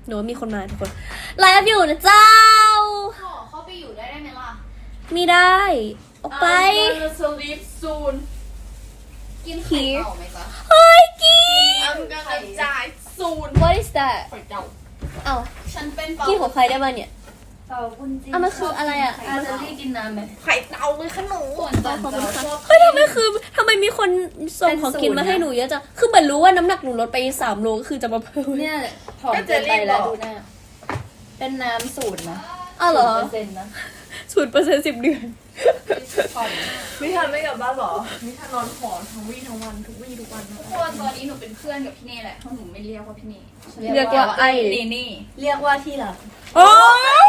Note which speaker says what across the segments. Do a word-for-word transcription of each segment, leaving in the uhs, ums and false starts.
Speaker 1: หนูมีคนมาทุกคนไลฟ์อยู่นะเจ้า
Speaker 2: ขอเข้าไปอยู่ได้ได้ไหมล่ะ
Speaker 1: ไม่ได้ออกไป
Speaker 3: I'm gonna sleep soon
Speaker 2: กินไข่เต่าไหมจ๊ะ
Speaker 1: เฮ้ยกิน
Speaker 3: I'm gonna die soon
Speaker 1: What is that
Speaker 3: ไข่เต่า
Speaker 1: เอ้า
Speaker 2: ฉันเป็น
Speaker 1: กินของใครได้บ้างเนี่ย
Speaker 4: เต่าคุณจี
Speaker 1: อ่ะมันคืออะไรอ่ะ
Speaker 4: อาจะได้กินน้ำไหม
Speaker 3: ไข่เต่าเลยขนม
Speaker 2: ส่วนจันจะชอบ
Speaker 1: เฮ้ยทำไมคือทำไมมีคนส่งของกินมาให้หนูเยอะจังคือเหมือนรู้ว่าน้ำหนักหนูลดไปสามโลก็คือจะมาเพิ่ม
Speaker 4: เนี่ยผอมเกินไปแล้วดูหน้าเป็นน้ำสูตรนะ
Speaker 1: อ้าวเหรอ
Speaker 4: เปอร์เซ็นต์นะ
Speaker 1: ศูนย์เปอร์เซ็นต์สิบเดือน
Speaker 2: ผ่อน
Speaker 3: มิทันไม่กลับบ้านหรอมิทันนอนหอทั้งวี่ทั้งวันทุกวี่ทุกวันนะ
Speaker 2: ทุกคนตอนนี้หนูเป็นเพื่อนกับพี่เน่แหละเพราะหนูไม่เรียกว่าพี่เน่
Speaker 1: เรียกว่าไอ้
Speaker 2: เน่เน่
Speaker 4: เรียกว่าที่หลัง
Speaker 1: โอ้ย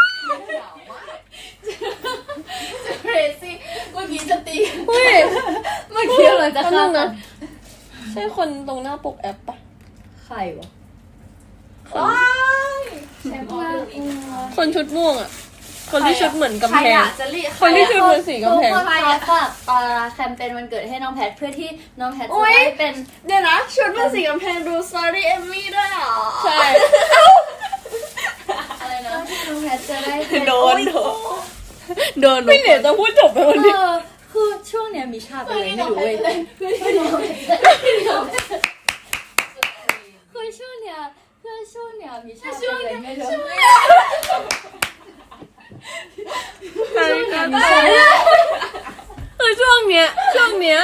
Speaker 2: เครซี่เมื่อกี้จะตี
Speaker 1: เฮ้ย
Speaker 4: เมื่อกี้เราจะฆ่ากั
Speaker 1: นะ
Speaker 4: น
Speaker 1: ใช่คนตรงหน้าปกแอปปะ
Speaker 4: ใครวะ
Speaker 3: ว้าย
Speaker 2: แชมป์ออลอีก
Speaker 1: คนชุดม่วงอ่ะ คนที่ชุดเหมือนกำ
Speaker 3: ใคร
Speaker 1: แพง
Speaker 3: อะจะรีบ
Speaker 1: คนที่ชุดเหมือนสีกำแพง
Speaker 4: ทุกคนคะฝากปาแคมเปญวันเกิดให้น้องแพทเพื่อที่น้องแพทจะได้เป็น
Speaker 3: เดี๋ยวนะชุดเป็นสีกำแพงดู Sorry Emmy ด้วยเหรอ
Speaker 1: ใช่
Speaker 2: อะไรนะ
Speaker 4: น้องแพทจะได้เป็น
Speaker 1: โดนโดนโดนไม่เหลือจะพูดจบไปวันนี้
Speaker 4: เออคือช่วงเนี้ยมีชาเป็นอะไรไม่รู้เว้ยคือช่วงเนี้ยคือช่วงเนี้ยมีชาเป็นอะไรไม่รู้
Speaker 1: ใช่ใช่คือช่วงเนี้ยช่วงเนี้ย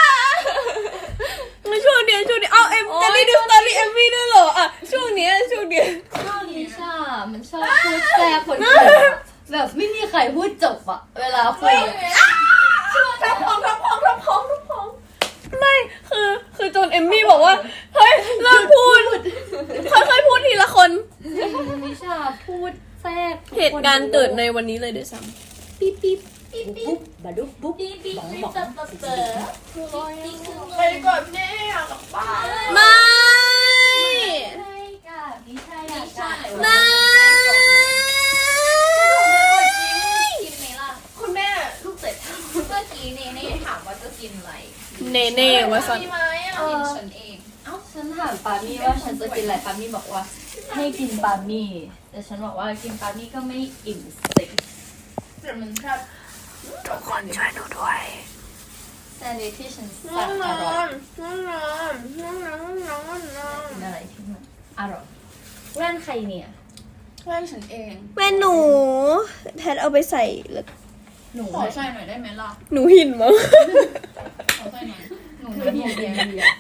Speaker 1: ไม่ช่วงเนี้ยช่วงเนี้ยเอาเอ็มจะได้ดูสตอรี่เอ็มวีด้วยเหรออ่ะช่วงเนี้ยช่วงเนี้ย
Speaker 4: ช่วงนี้ชามันชอบพูดแทรกคนอื่นอะแบบไม่มีใครพูดจบอะเวลาคุยอะ
Speaker 3: ทับพองทับพองทับพองทับพอง
Speaker 1: ไม่คือคือจนเอมมี่บอกว่าเฮ้ยเลิกพูดค่อยๆพูดทีละคน
Speaker 4: มิชาพูดแทรก
Speaker 1: เหตุการณ์เกิดในวันนี้เลยด้วยซ้ำปิ๊บปิ๊บ
Speaker 4: ปุ๊บบัดดุ๊บปุ๊บบอกบอก
Speaker 3: ไปก่อนพี่เน่อยากกลับบ้าน
Speaker 1: ไม่
Speaker 4: ใช่ค่ะมิชาอยากกลับ
Speaker 1: ไม่
Speaker 2: กินไหมล่ะ
Speaker 3: คุณแม่ลูกเตะ
Speaker 2: เมื่อกี้เน่เน่ถามว่าจะกินอะไร
Speaker 1: เน่เน่วะสัน
Speaker 3: มีไหมอ่ะ
Speaker 2: กินฉันเอง
Speaker 4: เอ้าฉันถามปามี่ว่าฉันจะกินอะไรปามี่บอกว่าให้กินปามี่แต่ฉันบอกว่ากินปามี่ก็ไม่อิ่มสิ
Speaker 3: แต่มันแค่
Speaker 1: ทุกคนช่วยหนูด้วย
Speaker 4: แซนด์วิชที่ฉัน
Speaker 3: นอ
Speaker 4: สั่ง
Speaker 3: นน
Speaker 4: อ
Speaker 3: อ
Speaker 4: ร่อย
Speaker 3: นนอนนอนนอนนอนนอน
Speaker 4: กินอะไรที่มันอร่อยแว่นใครเนี่ย
Speaker 2: เพื่อนฉันเอง
Speaker 1: แม่หนูแพทเอาไปใส่แล้ว
Speaker 4: หนู
Speaker 2: ขอใส่หน่อยได้ไหมล่ะ
Speaker 1: หนูหินมั้ง
Speaker 2: ขอใส่หน่อย
Speaker 4: หนูหนูหินเดียเดีย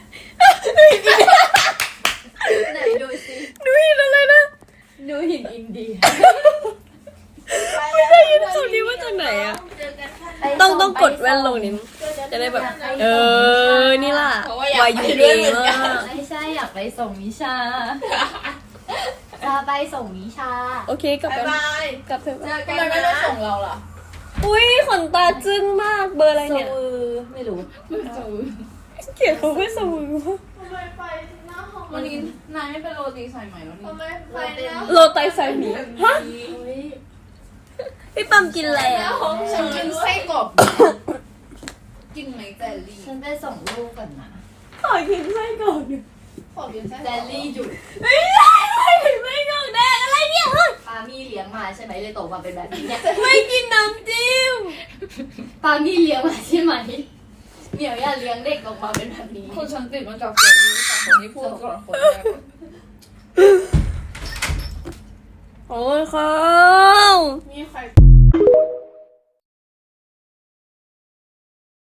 Speaker 4: ไหนดูสิ
Speaker 1: หนูหินอะไรนะ
Speaker 4: หนูหินอินเดีย
Speaker 1: ไม่ได้ยินคำนี้มาจากไหนอะต้องต้องกดแว่นลงนิดจะได้แบบ เออ นี่ล่ะวายุดีมาก
Speaker 4: ไม่ใช่อยากไปส่งมิชาจะไปส่งมิชา
Speaker 1: โอเคกลับ
Speaker 3: บ๊าย
Speaker 1: ไป
Speaker 3: บาย
Speaker 1: กลับเถอะ
Speaker 3: เจอกัน
Speaker 2: เราไม่
Speaker 3: นะ
Speaker 2: ได้ส่งเราล่ะ
Speaker 1: อุ้ยขนตาจึ้งมากเบอร์อะไร
Speaker 4: สู
Speaker 1: เนี่ย
Speaker 4: ไม่รู้
Speaker 1: เกลียดเขาไม่สมือ
Speaker 3: ทำไมไปหน้าห้อง
Speaker 2: วันนี้นายไม่เป็นโรตีสายไหมแล้วนี่
Speaker 3: ทำไมไปนะ
Speaker 1: โรไตไซหมีฮะพี่ปั๊มกินอะไรอ่ะ
Speaker 2: ฉันกินไส้กรอบกินไหมแจลลี่
Speaker 4: ฉันไปส่งลูกก่อนนะ
Speaker 1: ขอกินไส้ก่อน
Speaker 2: ขอกินไส้
Speaker 4: แดลลี่หยุด
Speaker 1: ไม่ได้ไม่ไม่กองแดงอะไรเนี่ยเฮ้ย
Speaker 4: ปามี่เลี้ยงมาใช่ไหมเลยโตมาเป็นแบบนี้เนี่ย
Speaker 1: ไม่กินน้ำจิ้ม
Speaker 4: ปามี่เลี้ยงมาใช่ไหมเหมียวอย่าเลี้ยงเด็กออกมาเป็นแบบนี้
Speaker 2: คนฉันติดมาจากคนนี้ค่ะคนที่พูดก่อนคนแรก
Speaker 1: โอ้ยครับ